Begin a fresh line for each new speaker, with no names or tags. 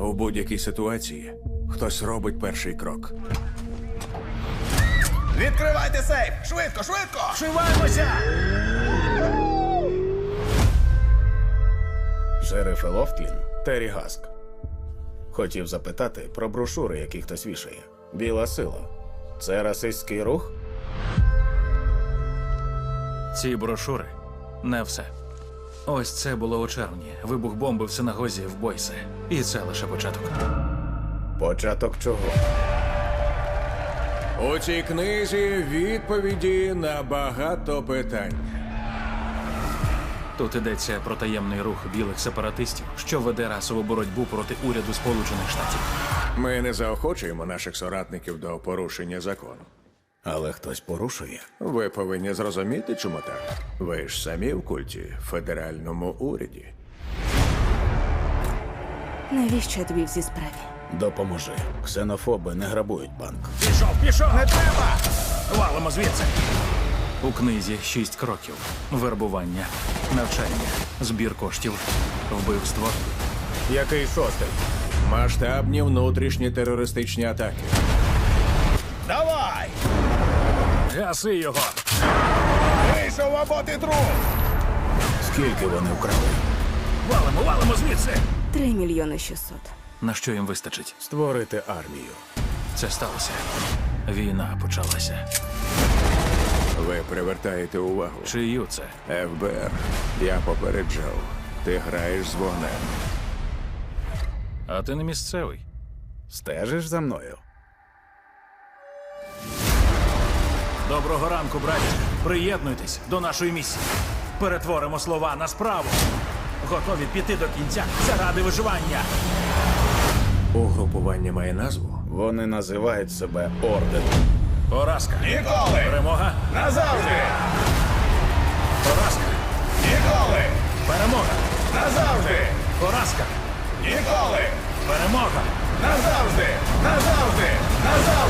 У будь-якій ситуації хтось робить перший крок.
Відкривайте сейф! Швидко, швидко!
Вшиваємося!
Шериф Лофтлін, Террі Гаск. Хотів запитати про брошури, які хтось вішає. Біла сила. Це расистський рух?
Ці брошури – не все. Ось це було у червні. Вибух бомби в синагозі в Бойсе. І це лише початок.
Початок чого?
У цій книзі відповіді на багато питань.
Тут йдеться про таємний рух білих сепаратистів, що веде расову боротьбу проти уряду Сполучених Штатів.
Ми не заохочуємо наших соратників до порушення закону.
Але хтось порушує.
Ви повинні зрозуміти, чому так. Ви ж самі в культі, федеральному уряді.
Навіщо я тобі в цій справі?
Допоможи. Ксенофоби не грабують банк.
Пішов! Не треба! Валимо звідси! У книзі 6 кроків. Вербування, навчання, збір коштів, вбивство.
Який шостий?
Масштабні внутрішні терористичні атаки.
Давай!
Гаси його!
Вийшов або ти труп!
Скільки вони вкрали?
Валимо звідси!
3 мільйони 600.
На що їм вистачить?
Створити армію.
Це сталося. Війна почалася.
Ви привертаєте увагу.
Чию це?
ФБР, я попереджав. Ти граєш з вогнем.
А ти не місцевий.
Стежиш за мною?
Доброго ранку, браті. Приєднуйтесь до нашої місії. Перетворимо слова на справу. Готові піти до кінця заради виживання.
Угрупування має назву?
Вони називають себе Орденом.
Поразка.
Ніколи!
Перемога.
Назавжди!
Поразка.
Ніколи!
Перемога.
Назавжди!
Поразка.
Ніколи!
Перемога.
Назавжди! Назавжди! Назавжди!